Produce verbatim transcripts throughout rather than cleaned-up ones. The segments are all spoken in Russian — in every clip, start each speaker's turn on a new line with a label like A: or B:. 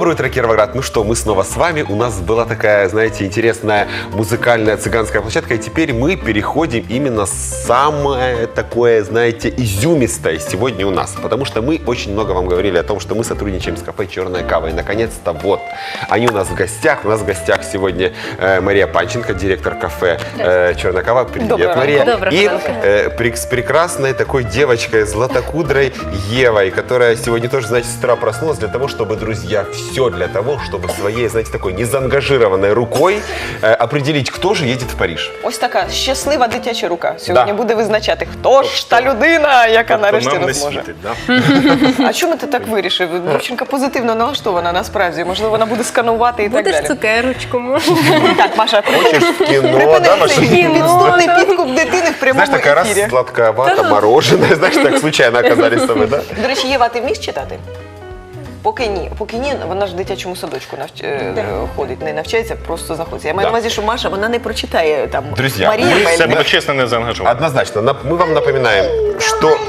A: Доброе утро, Кировоград. Ну что, мы снова с вами. У нас была такая, знаете, интересная музыкальная цыганская площадка. И теперь мы переходим именно самое такое, знаете, изюмистое сегодня у нас. Потому что мы очень много вам говорили о том, что мы сотрудничаем с кафе «Черная кава». И, наконец-то, вот, они у нас в гостях. У нас в гостях сегодня э, Мария Панченко, директор кафе э, «Черная кава». Привет,
B: Доброе
A: Мария.
B: Доброе
A: И э, при, с прекрасной такой девочкой, златокудрой Евой, которая сегодня тоже, знаете, с утра проснулась для того, чтобы, друзья, все для того, чтобы своей, знаете, такой незаангажированной рукой э, определить, кто же едет в Париж.
B: Ось така щаслива дитяча рука сьогодні
A: Да.
B: буде визначати, хто ж та людина, яка нарешті
C: нам не
B: нас може.
C: світить, да?
B: А чому ти так вирішив? Дівчинка позитивно налаштована насправді. Можливо, вона буде сканувати і так
D: Будеш
B: далі.
D: цукерочку, може.
B: Так, Маша,
A: Хочешь в кино, да,
B: припини
A: Маша?
B: цей підступний підкуп дитини в прямому
A: Знаешь, такая раз
B: ефірі.
A: сладковато, мороженое, знаешь, так случайно оказались с тобой, да?
B: До речі, Єва, ти вмієш читати? Поки ні. Поки ні, вона ж в дитячому садочку навч... е, ходить, не навчається, просто знаходиться. Я маю
A: Да.
B: на увазі, що Маша, вона не прочитає там
A: Друзі,
B: Марія.
A: ми
C: Це
B: Бельбе.
C: буде чесно не заангажовано.
A: Однозначно. Нап- Мы вам напоминаем, что...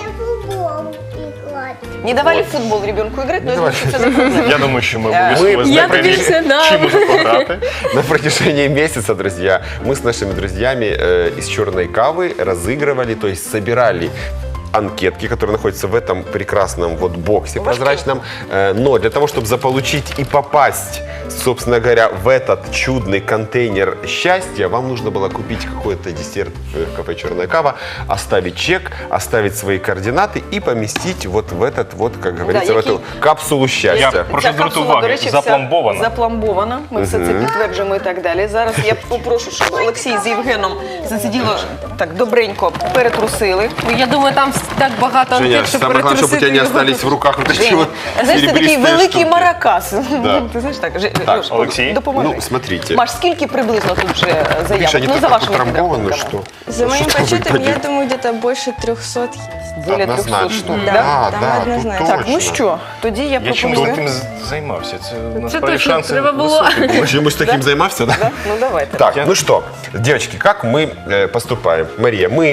B: Не давали в футбол ребенку играть, но я думаю, що це за проблема.
C: Я думаю, що ми
B: Ми-
C: обов'язково
D: Я
C: знаємо,
D: тобі все дам.
C: чим може пограти.
A: На протяжении месяца, друзья, мы с нашими друзьями э, из «Черной кавы» разыгрывали, то есть собирали анкетки, которые находятся в этом прекрасном вот боксе прозрачном. Э, но для того, чтобы заполучить и попасть, собственно говоря, в этот чудный контейнер счастья, вам нужно было купить какой-то десерт в кафе «Черная кава», оставить чек, оставить свои координаты и поместить вот в этот вот, как говорится, в
B: який-
A: эту капсулу счастья.
C: Я прошу
B: Ця
C: звернути
B: капсула,
C: увагу,
B: до речі, вся
C: запломбована.
B: запломбована. Ми все це підтверджуємо і так далі. Зараз я попрошу, щоб Олексій з Євгеном засиділо так добренько перетрусили.
D: Я думаю, там так багато
A: Женя,
D: анкет, щоб
A: самое главное, чтобы у тебя не
D: перетрусити його.
A: остались в руках вот такие
B: Женя,
A: вот
B: знаєш, це такий
A: серебристые
B: великий
A: штуки.
B: маракас.
A: Да.
B: Ти знаєш так? Ж-
A: Так,
B: Льош,
C: Олексій?
B: допоможи.
A: Ну, смотрите.
B: Маш, скільки приблизно тут вже заявок?
A: Видишь, они
B: Ну,
A: так
B: за вашими
A: утрамбованы,
B: підрахунками.
A: что...
E: За моим
A: что
E: подсчетом,
A: выпадет.
E: я думаю, где-то больше трехсот есть.
B: Біля трьохсот
A: Однозначно.
B: штук.
E: Да,
A: Да,
E: там
A: да, тут
E: однозначно.
A: точно.
B: Так, ну що, тоді я
C: Я чимось
B: пропоную.
C: таким з- займався. Це
D: Це
C: насправді
D: точно
C: шанси
D: треба було.
C: високі.
A: Мы чему-то таким займався, да?
B: Да? Ну давайте.
A: Так,
C: Я-
A: ну что, девочки, как мы э, поступаем? Мария, мы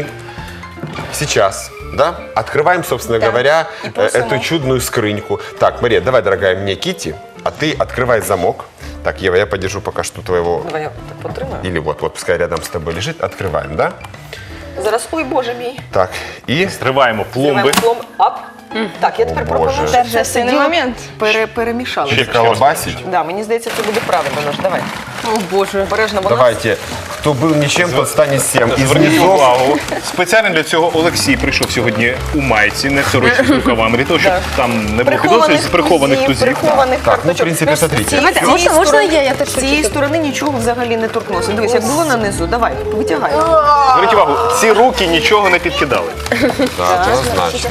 A: сейчас, да, открываем, собственно
E: Да.
A: говоря,
B: И
A: э,
B: просимо.
A: эту чудную скрыньку. Так, Мария, давай, дорогая, мне Кити, а ты открывай замок. Так, Ева, я подержу пока что твоего...
B: Давай я так потримаю.
A: Или вот, вот, пускай рядом с тобой лежит. Открываем, да?
B: Зараз, ой, боже мій.
A: Так, и...
C: Стриваємо пломби.
B: Пломб. Ап. Так, я тепер
A: О,
B: пропоную,
A: Боже.
B: щоб все
E: Торжественний
B: сиділо,
E: момент.
B: пере, перемішали.
C: Ще
A: колбасить.
B: Да, мені здається, це буде правильно, Нож. Давай.
D: О, Боже.
B: Обережно, бо
A: Давайте, кто был ничем, тот станет всем. Из
C: Зверніть
A: низов...
C: увагу. Спеціально для цього Олексій прийшов сьогодні у майці, не в сорочці з рукавами, для того, щоб
B: Да.
C: там не було підозрів з прихованих
B: тузів,
C: тузів.
B: прихованих
A: Так, ну, в
B: карточок.
A: принципе,
B: З
A: смотрите.
B: цієї-
D: Давайте,
B: з цієї
D: можна- можна
B: сторони-
D: я? Я теж
B: З цієї
D: хочу.
B: сторони нічого взагалі не торкнулося. Дивись, як було нанизу, давай, витягай.
C: Зверніть увагу, ці руки нічого не підкидали.
A: Да, однозначно.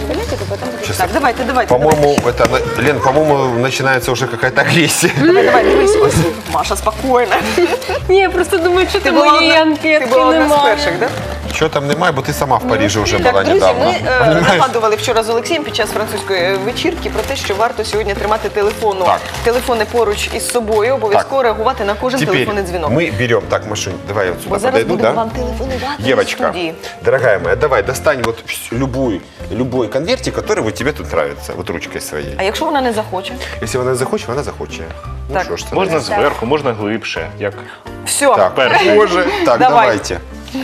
B: Так, давайте, давайте.
A: По-моему, это, Лен, по-моему, начинается уже какая-то агрессия.
B: Давай, давай, дивись, ось. Маша, спокійно.
D: Ні, я просто думаю, що
B: Ти
D: ти
B: була
D: моєї
B: одна, ти
D: анкетки
B: була одна з
D: немає.
B: перших, так?
A: Чего там немає, бо ти сама в Парижі вже була
B: Так, друзі,
A: недавно.
B: ми е, нагадували вчора з Олексієм під час французької вечірки про те, що варто сьогодні тримати телефону,
A: Так.
B: телефони поруч із собою, обов'язково реагувати на кожен
A: Теперь
B: телефонний дзвінок.
A: мы берем, так, Машунь, давай я вот
B: Бо
A: сюда
B: зараз
A: подойду,
B: будемо
A: да?
B: вам телефонувати в
A: Девочка,
B: студії.
A: дорогая моя, давай, достань вот вс- любой, любой конвертик, который вот тебе тут нравится, вот ручкой своей.
B: А якщо вона не захоче?
A: Если она захоче, вона захоче. Ну
B: Так.
A: что ж, це
C: Можна
A: таке?
C: зверху, можна глибше. Як
B: Все,
A: Так,
C: Перше.
A: боже. Так,
B: Давай.
A: давайте.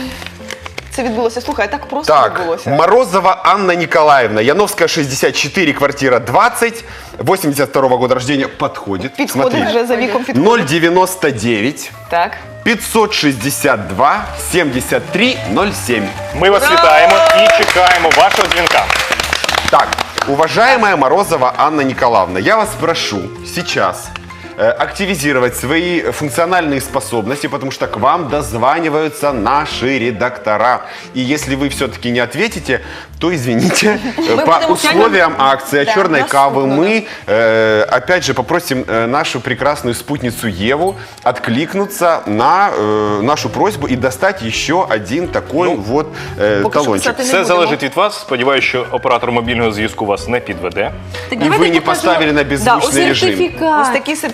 B: це відбулося. Слухай, так просто
A: Так,
B: відбулося.
A: Морозова Анна Николаевна, Яновская, шестьдесят четыре, квартира двадцать, восемьдесят второго года рождения, подходит.
B: Підходить
A: Смотри.
B: вже за віком підходить.
A: ноль девяносто девять
B: Так.
A: пятьсот шестьдесят два семьдесят три ноль семь.
C: ми вас вітаємо і чекаємо вашого дзвінка.
A: Так, уважаемая Морозова Анна Николаевна, я вас прошу сейчас э, активизировать свои функциональные способности, потому что к вам дозваниваются наши редактора. И если вы все-таки не ответите, то извините.
B: Мы
A: По
B: будем
A: условиям акции
B: Да,
A: «Черной кавы»
B: доступно.
A: мы э, опять же попросим э, нашу прекрасную спутницу Еву откликнуться на э, нашу просьбу и достать еще один такой
C: Ну,
A: вот э,
B: поки що
A: талончик.
B: писати не
C: Все
B: будемо.
C: залежить від вас. Сподіваюся, що оператор мобільного зв'язку вас не підведе.
D: Так
A: И
D: давайте
A: вы не
D: покажу.
A: поставили на
B: Да,
A: беззвучный
B: ось
A: режим.
D: Сертифікат.
B: Ось такий сертифікат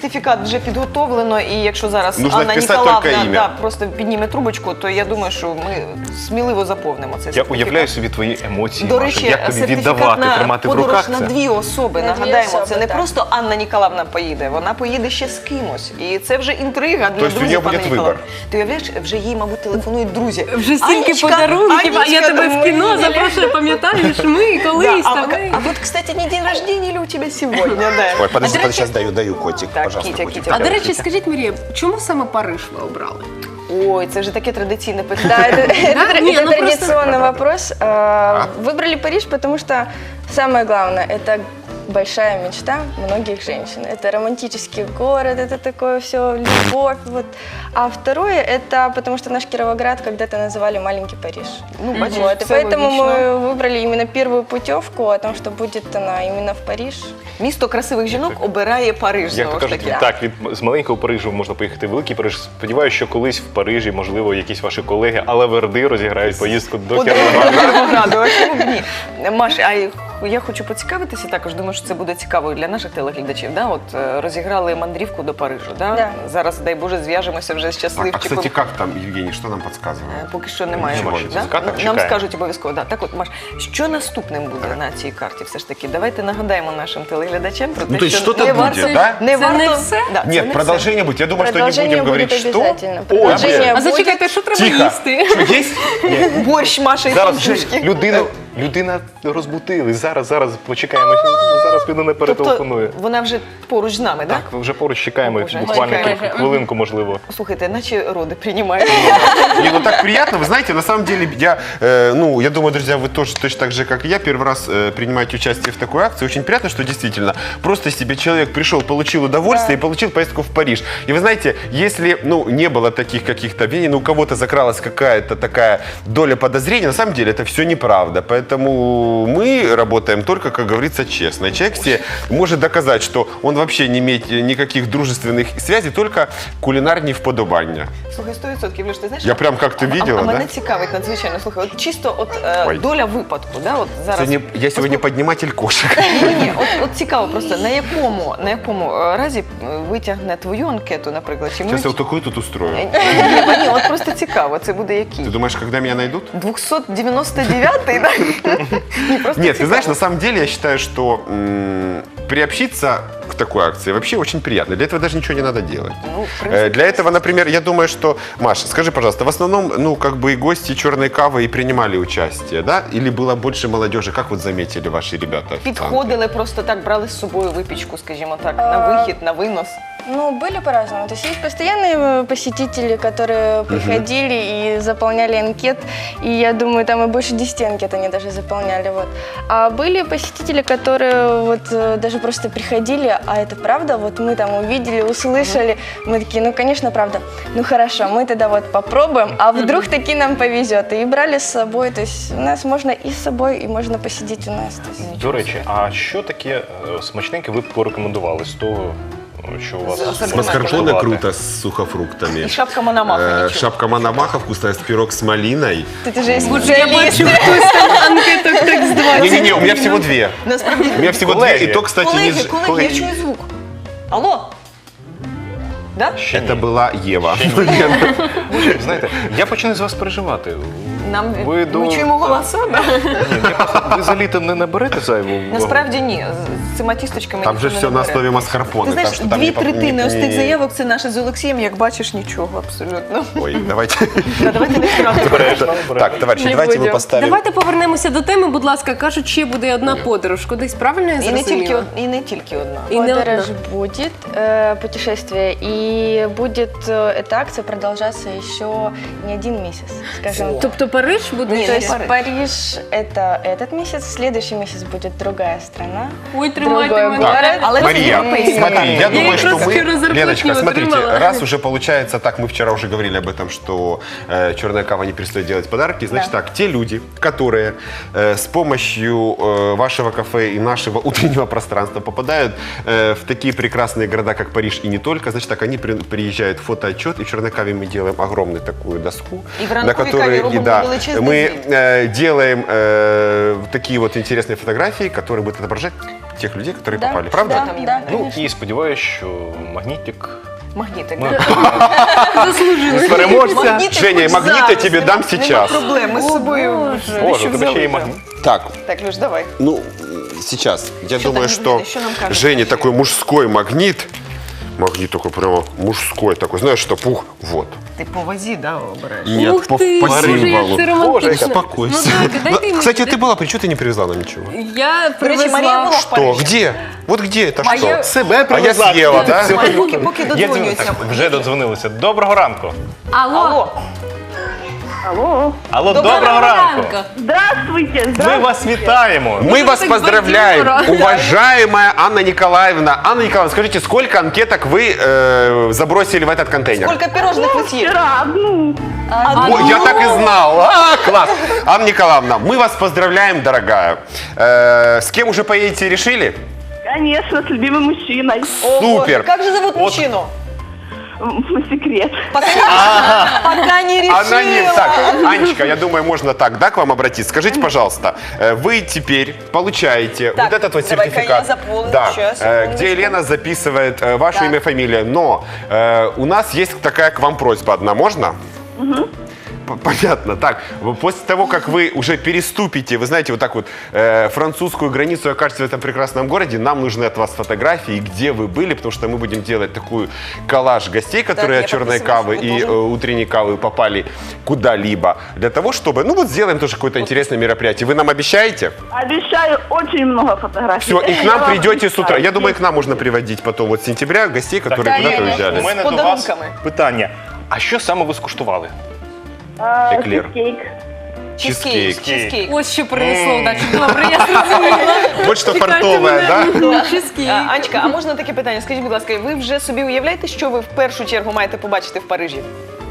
B: сертифікат вже підготовлено, і якщо зараз
A: Нужно
B: Анна
A: вписати
B: Ніколаївна
A: тільки ім'я.
B: да, просто підніме трубочку, то я думаю, що ми сміливо заповнимо цей
C: Я
B: сертифікат.
C: уявляю собі твої емоції,
B: До
C: Маша,
B: речі,
C: як тобі
B: сертифікат
C: віддавати,
B: на
C: тримати в
B: подорож
C: руках
B: на
C: це.
B: дві особи.
E: На дві
B: Нагадаємо,
E: особи,
B: це не
E: так.
B: просто Анна Ніколаївна поїде, вона поїде ще з кимось. І це вже інтрига для
A: Тобто у
B: друзів
A: неї буде
B: Анни
A: вибір.
B: Ніколаївни. Ти уявляєш, вже їй, мабуть, телефонують друзі.
D: Вже стільки
B: Анечка,
D: подарунків, а я
B: Анечка,
D: тебе в кіно
B: ми-
D: запрошую, пам'ятаєш, ми колись
B: Да, а,
D: там.
B: а вот, кстати, не день рождения или у тебя сегодня? Да.
F: Ой, подожди,
D: А до
F: подожди,
D: речі-
F: сейчас даю, даю котик,
B: Так,
F: пожалуйста,
B: Китя,
F: котик.
B: Китя.
D: А до речі, скажіть, Марія, чому саме Париж ви обрали?
B: Ой, це вже таке традиційне
E: Да,
B: питання.
E: это, это,
D: Да?
E: тра-
D: Не,
E: это
D: ну просто-
E: традиционный вопрос. А, Выбрали Париж, потому что самое главное – это большая мечта многих женщин. Это романтический город, это такое все, любовь. Вот. А второе – это потому что наш Кировоград когда-то называли «маленький Париж».
B: Ну, бачиш,
E: Вот, и
B: все
E: поэтому
B: логічно.
E: мы выбрали именно первую путевку о том, что будет она именно в Париж.
B: Місто красивих жінок обирає Париж,
C: Як
B: знову
C: то
B: ж
C: кажуть,
B: таки.
C: так, від з маленького Парижу можна поїхати в великий Париж. Сподіваюся, що колись в Парижі, можливо, якісь ваші колеги, але верди розіграють поїздку до
B: Подарунок
C: Кіровограда.
B: Кіровограду, а чому б ні? Маш, а я хочу поцікавитися також, думаю, що це буде цікаво і для наших телеглядачів. Да? От е, розіграли мандрівку до Парижу. Да?
E: Да.
B: Зараз, дай Боже, зв'яжемося вже з
A: Так, а,
B: щасливчиком.
A: кстати, как там, Евгений, что нам подсказывает?
B: Е, Поки що немає.
C: Нема
B: Маш,
C: ще
B: да?
C: сертифіката,
B: Нам
C: чекаємо.
B: скажуть обов'язково. Да. Так от, Маш, що наступним буде на цій карті? Все ж таки, давайте нагадаємо нашим телеглядачам про те,
A: Ну, то есть
B: що
A: что-то
B: не
A: будет,
B: варто,
A: да?
B: не
D: Це не
B: варто...
D: все?
B: Да, це
A: Нет,
B: не
A: продолжение будет. Я думаю, что не
E: Продолжение
A: будем
E: будет
A: говорить, что.
E: обязательно.
A: Ой,
E: Продолжение
D: А
E: будет.
D: зачекайте, що треба
A: Тихо.
D: їсти?
A: Что, есть?
B: все. Борщ, Маша і
C: Зараз
B: пампушки.
C: людину, людина розбутили. Зараз, зараз почекаємо. Зараз людина перетелефонує.
B: Тобто вона вже поруч з нами, так?
C: Так, вже поруч чекаємо,
B: Боже,
C: буквально
B: чекаємо.
C: кілька- хвилинку, можливо.
B: Слухайте, наче роди приймають.
A: Не, ну так приятно. Вы знаете, на самом деле, я, э, ну, я думаю, друзья, вы тоже точно так же, как и я, первый раз э, принимаете участие в такой акции. Очень приятно, что действительно просто себе человек пришел, получил удовольствие и получил поездку в Париж. И вы знаете, если, ну, не было таких каких-то обвинений, ну, у кого-то закралась какая-то такая доля подозрений, на самом деле это все неправда. Поэтому мы работаем только, как говорится, честно. И человек себе может доказать, что он вообще не имеет никаких дружественных связей, только кулинарні вподобання.
B: Слухай, сто відсотків, Леш, ти знаєш?
A: Я прям как-то
B: а-
A: видела,
B: а, а мене
A: да?
B: цікавить надзвичайно. Слухай, от чисто от е,
A: Ой.
B: доля випадку, да, от зараз.
A: Сегодня- я сегодня подниматель кошек.
B: Ні, ні, от, от цікаво просто, на якому, на якому е, разі е, витягне твою анкету, наприклад, чи ми...
A: Сейчас я вот такой тут устрою.
B: Ні, ні, ні, от просто цікаво, це буде який?
A: Ты думаешь, когда меня найдут?
B: двісті дев'яносто дев'ятий, так? Ні, просто
A: Нет, ты
B: цікаво.
A: знаешь, на самом деле я считаю, что м, приобщиться к такой акции вообще очень приятно. Для этого даже ничего не надо делать.
B: Ну, в
A: Э,
B: принципі,
A: Для этого, например, я думаю, что, Маша, скажи, пожалуйста, в основном, ну, как бы и гости черной кавы и принимали участие, да? Или было больше молодежи? Как вот заметили ваши ребята?
B: підходили просто так, брали з собою випічку, скажімо так, на вихід, на винос.
E: Ну, были по-разному. То есть есть постоянные э, посетители, которые приходили и заполняли анкет. И я думаю, там и больше десяти анкет они даже заполняли. Вот. А были посетители, которые вот э, даже просто приходили, а это правда? Вот мы там увидели, услышали. Мы такие, ну, конечно, правда. Ну, хорошо, мы тогда вот попробуем, а вдруг таки нам повезет. И брали с собой. То есть у нас можно и с собой, и можно посидеть у нас. То есть.
C: До речі, а що таке е, смачненьке ви б порекомендували з того, що у вас
B: З- з
A: С
C: можна
A: маскарпоне
C: скуштувати?
A: круто с сухофруктами.
B: І шапка Мономаха,
A: Э,
B: нічого.
A: Шапка Мономаха вкусная, с пирог с малиной.
E: Тут уже есть
D: Боже, я
E: специалист.
D: бачу, хтось там анкеток так з двадцять.
A: Не-не-не, у меня всего две.
B: Насправді,
A: У меня всего
C: Коллеги.
A: две, и то, кстати, не...
B: колеги,
A: ж-
B: колеги, я чую звук. Алло? Да?
C: Ще
A: Это
C: ні.
A: была Ева.
C: Боже, знаєте, я починаю з вас переживати.
B: Нам
C: Ви до-
B: ми чуємо голоса, да?
C: Ні, я просто, ви за літо не наберете зайву вагу?
B: Насправді ні. З цими тісточками
A: Там же
B: ніхто не
A: все на
B: набере.
A: основе маскарпоне.
B: Ти знаєш,
A: так что там
B: дві
A: не по-
B: третини
A: не-
B: ось тих
A: не-
B: заявок це наше з Олексієм, як бачиш, нічого абсолютно.
A: Ой, давайте.
B: Да, давайте не втратимо.
C: Обережно, обережно.
A: Так, товарищи,
E: Не
A: давайте мы
E: будем.
A: поставим.
D: Давайте повернемося до теми, будь ласка. Кажуть, ще буде одна подорож. Кудись, правильно я
B: І не тільки,
D: зрозуміла?
B: од- і не тільки одна.
D: І не
E: Подорож
D: одна.
E: будет, э, путешествие, и будет э, эта акция продолжаться еще не один месяц, скажем так.
D: Тобто Париж буде?
B: Ні,
E: То
B: не
E: есть
B: Париж.
E: Париж это этот месяц, следующий месяц будет другая страна.
D: Ой, тримайте
E: Другой
D: мене.
E: город.
B: Але це
A: Мария,
B: європейська
A: смотри,
B: карта.
A: я
D: Я
A: думаю,
D: их
A: что
D: раз
A: мы...
D: вчера зарплатню
A: Леночка, смотрите,
D: отримала.
A: раз уже получается так, мы вчера уже говорили об этом, что э, черная кава не перестает делать подарки, значит
E: Да.
A: так, те люди, которые э, с помощью э, вашего кафе и нашего утреннего пространства попадают э, в такие прекрасные города, как Париж и не только, значит так, они при- приезжают в фотоотчет, и в черной каве мы делаем огромную такую доску,
B: И в
A: на
B: ранковой каве
A: которой
B: робим
A: да,
B: величезный
A: мы
B: звіт.
A: э, делаем э, такие вот интересные фотографии, которые будут отображать тех людей, которые
E: Да,
A: попали, правда?
E: Да,
B: Там
E: да,
B: именно.
C: Ну
E: конечно.
C: і сподіваюся, що магнітик
B: Магнітик.
C: Ми-
B: да?
D: Заслужили.
C: переможця.
B: Магнітик
A: Женя,
B: хоч
A: магніт я
B: зараз,
A: тебе
B: нема-
A: дам
B: нема
A: сейчас.
B: проблем, ми з собою
D: Боже.
C: Боже,
B: що
C: у тебе ще
B: взяли.
C: є магніт.
A: Так,
B: Так, Люш, давай.
A: ну, сейчас. Я
B: Что
A: думаю,
B: там
A: что
B: видно? Что нам кажется?
A: Жене такой мужской магнит. Магнит такой прямо мужской такой. Знаешь, что пух, вот.
B: Ти по вазі, да, обираєш?
A: Нет,
D: Ух
A: по,
D: ти,
A: по
D: Боже, як
A: символу.
D: це
C: Боже,
D: романтично.
A: Успокойся.
D: Ну, так, дайте мені,
A: Кстати,
D: дайте-
A: ты была, при чего ты не привезла нам ничего?
D: Я
B: До речі, Марія
D: привезла.
B: була в
A: Что?
B: Парижі.
A: Где? Вот где это
B: Моя-
A: что?
C: Себе
A: А я
C: привезла.
A: съела, да?
B: Марія, поки, поки
C: Я дзвоню,
B: додзвонюється.
C: так, вже додзвонилися. Доброго ранку.
D: Алло.
B: Алло,
F: Алло.
C: Алло,
B: Доброго
C: доброго, ранку.
F: Здравствуйте.
C: Ми
F: Здравствуйте.
C: вас вітаємо.
A: Мы вас
D: так
A: поздравляем,
D: бадьоро.
A: уважаемая Анна Николаевна. Анна Николаевна, скажите, сколько анкеток вы э, забросили в этот контейнер?
B: скільки пирожних ви з'їли?
F: Вчера одну.
A: О, я так и знал. А, класс. Анна Николаевна, мы вас поздравляем, дорогая. Э, с кем уже поедете, решили?
F: Конечно, с любимым мужчиной.
B: О,
A: Супер.
B: Боже, Как же зовут мужчину?
F: М, Секрет.
B: Пока, пока не решила.
A: Она не... Так, Анечка, я думаю, можно так, да, к вам обратиться. Скажите, пожалуйста, э, вы теперь получаете
B: Так,
A: вот этот вот
B: давай-ка
A: сертификат,
B: я заполню,
A: да,
B: сейчас,
A: э,
B: секундочку.
A: где Елена записывает э, ваше
B: Так.
A: имя, фамилия. Но э, у нас есть такая к вам просьба одна, можно? П- Понятно. Так, в- после того, как вы уже переступите, вы знаете, вот так вот э, французскую границу и окажетесь в этом прекрасном городе, нам нужны от вас фотографии, где вы были, потому что мы будем делать такую коллаж гостей, которые
B: я
A: от черной
B: подписываюсь,
A: кавы
B: вы
A: и
B: тоже.
A: э, утренней кавы попали куда-либо, для того, чтобы, ну вот сделаем тоже какое-то интересное мероприятие. Вы нам обещаете?
F: Обещаю очень много фотографий.
A: Все, и к
F: Я
A: нам
F: вам
A: придете с утра.
F: обещаю.
A: Я думаю, к нам можно приводить потом вот с сентября гостей, которые
B: Да,
A: куда-то
B: я-
A: уезжали.
C: У мене
B: З
C: до вас
B: подарунками.
C: питання. А що саме ви скуштували?
F: А,
A: Эклер.
F: чизкейк.
B: Чизкейк.
A: Чизкейк.
B: Чизкейк.
D: Ось що принесло. Так, добре, я зрозуміла.
A: Вот что
D: Чекайте
A: фартовое,
D: мене.
A: да?
D: Чизкейк.
B: А, Анечка, а можна таке питання? Скажіть, будь ласка, ви вже собі уявляєте, що ви в першу чергу маєте побачити в Парижі?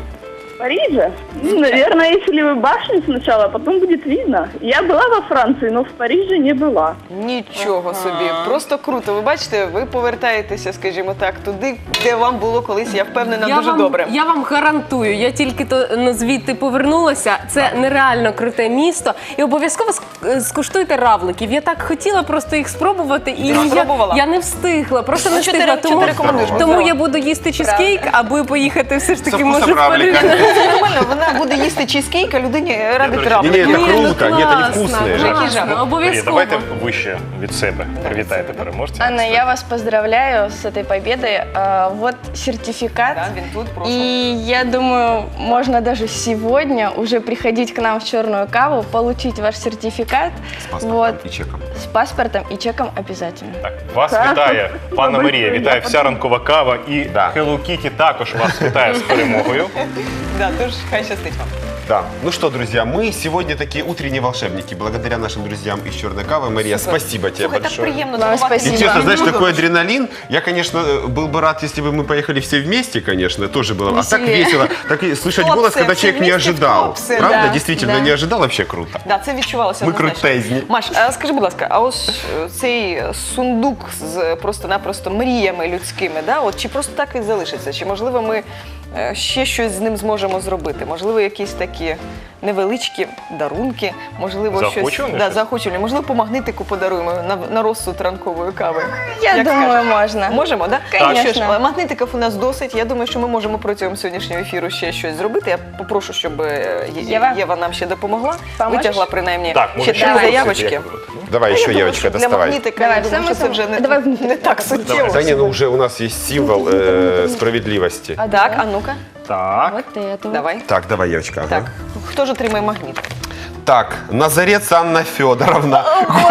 F: В Париже? Ну, наверное, если вы башню сначала, потом будет видно. Я была во Франции, но в Париже не была.
B: Нічого собі, просто круто. Ви бачите, ви повертаєтеся, скажімо так, туди, де вам було колись, я впевнена,
D: Я
B: дуже
D: вам,
B: добре.
D: я вам гарантую, я тільки то ну, звідти повернулася. Це нереально круте місто. І обов'язково ск- скуштуйте равликів. Я так хотіла просто їх спробувати, і
B: Ти
D: я,
B: спробувала?
D: я не встигла. Просто
B: Ну,
D: не
B: що ти
D: встигла.
B: ре- що ти
D: Тому,
B: рекомендуєш?
D: тому
B: Здорово.
D: я буду їсти чизкейк, аби поїхати все ж таки
A: Со вкусом
D: може в Париж.
A: равлика.
B: Це нормально, вона буде їсти чизкейк, а людині ради
A: Не,
B: травми.
A: не, это
D: Ні, ну
A: круто. Нет, они
D: класно,
A: вкусные.
B: Який
D: класно,
B: жах.
C: Марія,
D: Обов'язково.
C: давайте вище від себе. Привітайте переможця.
E: Анна, я вас поздравляю с этой победой. А, Вот сертификат.
B: Да, він тут просто.
E: И я думаю, можно даже сегодня уже приходить к нам в черную каву, получить ваш сертификат.
A: С паспортом
E: Вот,
A: и чеком.
E: с паспортом и чеком обязательно.
C: Так, вас
F: Так.
C: вітає пана
F: Спасибо
C: Марія,
F: большое.
C: вітає вся ранкова кава і
A: Да.
C: Hello Kitty також вас вітає з перемогою.
B: Да, тож хай щастить вам.
A: Да. Ну что, друзья, мы сегодня такие утренние волшебники. Благодаря нашим друзьям из Черной Кавы. Мария,
B: Супер.
A: спасибо тебе
B: Слухай, так
A: большое.
B: приємно
E: Вам
B: здивувати.
A: И
E: спасибо.
A: честно, знаешь,
B: Друг
A: такой
B: друга.
A: адреналин. Я, конечно, был бы рад, если бы мы поехали все вместе, конечно, тоже было. А так
E: Веселее.
A: весело. Так и слышать
B: Клопсы,
A: голос, когда
B: все
A: человек не
B: вместе в
A: ожидал.
B: клопсы,
A: Правда?
E: да,
A: Действительно,
E: да.
A: не ожидал, вообще круто.
B: Да, це відчувалося.
A: Ми
B: однозначно.
A: крутезні.
B: Маш, а скажи, будь ласка, а ось е, цей сундук з просто-напросто мріями людськими, да? От чи просто так він залишиться? Чи можливо ми е, ще щось з ним зможемо зробити? Можливо, якісь такі невеличкі дарунки, можливо, щось
C: Заохочувальне
B: да,
C: щось?
B: заохочувальне. Можливо, по магнитику подаруємо на, на розсуд ранкової кави.
E: Я
B: Як
E: думаю,
B: скажеш?
E: можно.
B: Можемо, да?
E: Конечно.
B: Що ж, магнитиків у нас досить. Я думаю, що ми можемо протягом сьогоднішнього ефіру ще щось зробити. Я попрошу, щоб е, Є-
E: Єва?
B: Єва нам ще допомогла.
E: Поможеш?
B: Витягла принаймні
C: Так,
B: ще
C: може
B: три
C: ще щось,
B: заявочки.
C: як ви робите?
A: Давай
B: Я
A: еще,
B: думаю,
A: Евочка,
B: що для
A: доставай.
B: магнітика,
E: Давай,
B: я думаю,
E: саме
B: що це вже не,
E: Давай.
B: не так суттєво.
A: Да не, ну уже у нас есть символ э, справедливости.
E: А,
B: Так,
E: да?
B: а ну-ка,
C: Так.
E: Вот это.
B: давай.
A: Так, давай, Евочка. ага.
B: Так, хто ж отримає магніт?
A: Так, Назарец Анна Федоровна.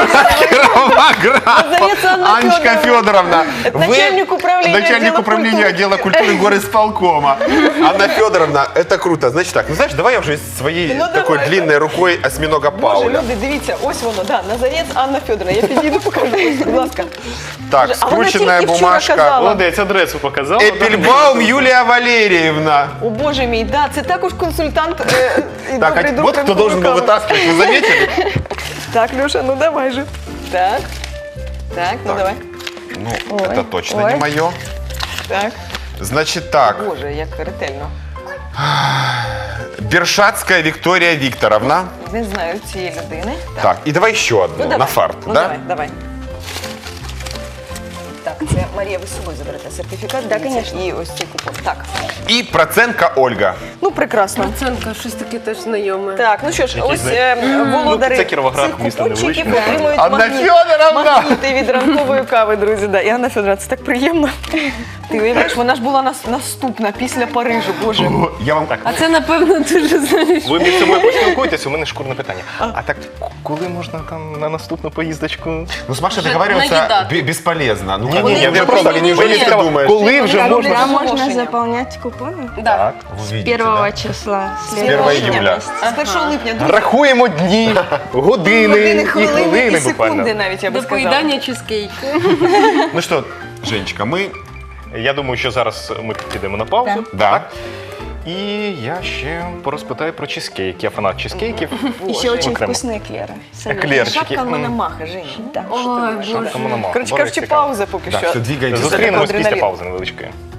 A: Кировоград.
B: Назарец Анна
A: Анечка
B: Федоровна.
A: Федоровна.
B: Начальник управления
A: Начальник
B: отдела
A: управления
B: культуры.
A: отдела культуры горисполкома. Анна Федоровна, это круто. Значит так, ну знаешь, давай я уже своей
B: Ну,
A: такой
B: давай.
A: длинной рукой осьминога
B: Боже,
A: Пауля.
B: люди, дивіться, ось воно, да, Назарець Анна Федоровна. Я підійду, покажу, будь ласка.
A: Так,
B: А вона
A: скрученная
B: тільки вчора
A: бумажка.
B: казала.
C: Молодець, адресу показала.
A: Эпельбаум Юлия Валерьевна.
B: О, Боже мій, да, це також консультант. Е, і
A: Так,
B: добрий
A: а
B: друг
A: вот кто
B: ранкової
A: должен был
B: кави.
A: вытаскивать, вы заметили?
B: Так, Леша, ну давай же. Так, так, ну
A: Так.
B: давай.
A: Ну,
E: Ой,
A: это точно
E: ой.
A: не мое.
B: Так.
A: Значит так,
B: Боже, як ретельно.
A: Бершатская Виктория Викторовна.
B: Не знаю цієї людини.
A: Так, и давай еще одну,
B: Ну, давай.
A: на фарт,
B: Ну,
A: да?
B: давай, давай. це Марія, ви з собою заберете сертифікат?
E: Да,
B: дивіться,
E: конечно.
B: І ось цей купон. Так,
A: И процентка Ольга.
B: ну прекрасно.
D: Процентка, щось таке теж знайоме.
B: Так, ну що ж,
C: Якісь,
B: ось
C: знаєте,
B: е, володарі
C: ну, це Кіровоград,
B: цих
C: місто
B: купончиків
C: невеличке.
B: отримують
A: Анна
B: магніт,
A: Федоровна!
B: магніти від ранкової кави, друзі. Да. І Анна Федоровна, це так приємно. Ти уявляєш, вона ж була нас, наступна після Парижу, боже.
A: Я вам
C: Так,
D: А це, напевно, дуже знаєш.
C: ви між собою поспілкуєтесь, у мене шкурне питання. А так, к- коли можна там на наступну поїздочку?
A: Ну, с Машей
D: Уже
A: договариваться
D: наедаться.
A: бе- бесполезно. Ну,
C: Ні,
A: как
C: ні,
A: бы,
C: ні,
A: я
C: я
A: просто
C: просто
A: неужели
C: мені
A: ты
C: цікаво,
A: думаешь?
C: коли вже
B: Так,
C: можна?
E: А можно
B: Оголошення.
E: заполнять купоны?
D: Да.
C: Так.
A: Вы видите,
E: Первого
A: да?
E: числа.
A: С первого июля.
B: З першого липня, друзі.
C: Рахуємо дні, години,
B: Години,
C: і
B: хвилини
C: хвилини
B: і секунди
C: буквально.
B: навіть, я би
D: До
B: сказала.
D: поїдання чизкейку.
A: Ну что, Женечка, мы...
C: Я думаю, що зараз ми підемо на паузу.
A: Да.
C: І я ще порозпитаю про чизкейк. Я фанат чизкейків.
E: Еще очень
C: Окремо.
E: вкусные эклеры. Советую.
C: Еклерчики.
B: Шапка
C: М.
B: Мономаха, Женя.
E: Да.
D: Ой, Боже.
C: Шапка Мономаха.
B: Коротше
C: Дуже
B: кажучи,
C: цікаво.
B: пауза поки
A: Да,
B: що.
A: все, двигаемся.
C: Зустрінемось після
B: адреналін.
C: паузи невеличкої.